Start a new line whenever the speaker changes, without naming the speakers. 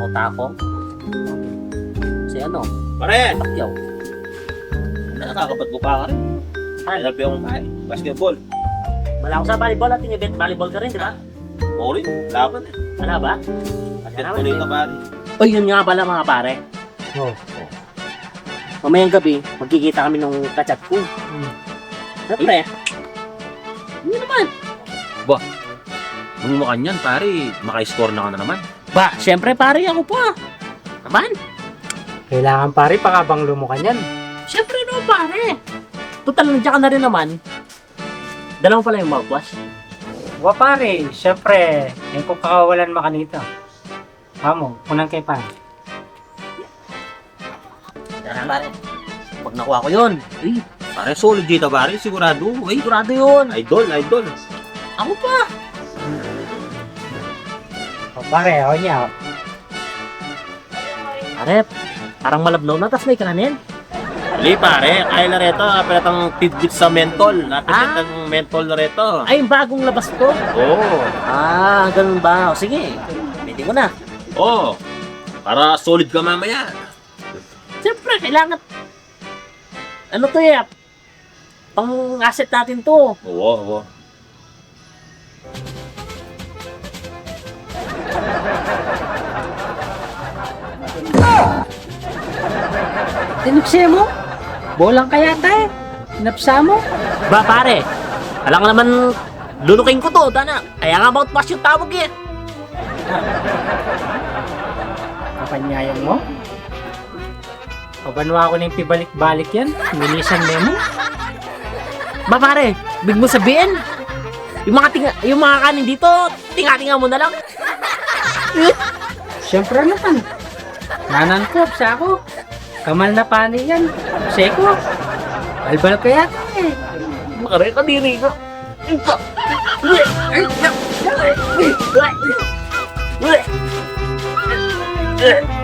takong. Si ano?
Pare!
Pacquiao.
Nakakapat mo pa ka rin. Ay, labi akong kain. Basketball.
Wala akong sa volleyball at event volleyball ka rin, di ba?
Oo rin. Laban eh.
Wala ba?
Basketball ka pare.
Uy, yun nga pala mga pare.
Oh.
Mamayang gabi, magkikita kami nung kachat ko. Siyempre. Hindi naman.
Nung mukha niyan, pare, maka-score na ka na naman.
Ba, siyempre pare ako pa. Naman.
Kailangan pare, pakabanglo mo ka niyan.
Siyempre no pare. Total, nandiyan ka na rin naman. Dalawang pala yung mouthwash.
Wa pare, syempre, eh kung kakawalan mo kanito. Amo, unang kay pare.
Tara pare. Pag nakuha ko yun, eh,
Pare, solid dito pare, sigurado. Ay,
sigurado yun.
idol.
Ako pa.
O pare, ako niya.
Pare, parang malabnaw na, tas may kanin.
Hindi pare, kaya na rito, kapilat ang tidbit sa mentol. Kapilat ang mentol na rito.
Ay, yung bagong labas ko.
Oo.
Ganun ba? O, sige. Pwede ko na.
Oo. Para solid ka mamaya.
Siyempre, kailangan. Ano to eh? Pang asset natin to.
Oo.
Tinupsi mo? Bolang kaya tayo. Tinapsa mo?
Ba pare, alam nga naman, luluking ko to, dana. Kaya nga mouthwash yung tawag eh.
Kapanyayan mo? Pabanwa ko na yung pibalik-balik yan. Milisan mo.
Ba pare, big mo sabihin. Yung mga kanin dito, tinga-tinga mo na lang.
Siyempre naman. Nanangkop sa ako. Kamal na pani yan. Seko. Albal kaya eh.
Makare ka diri ko. Ay,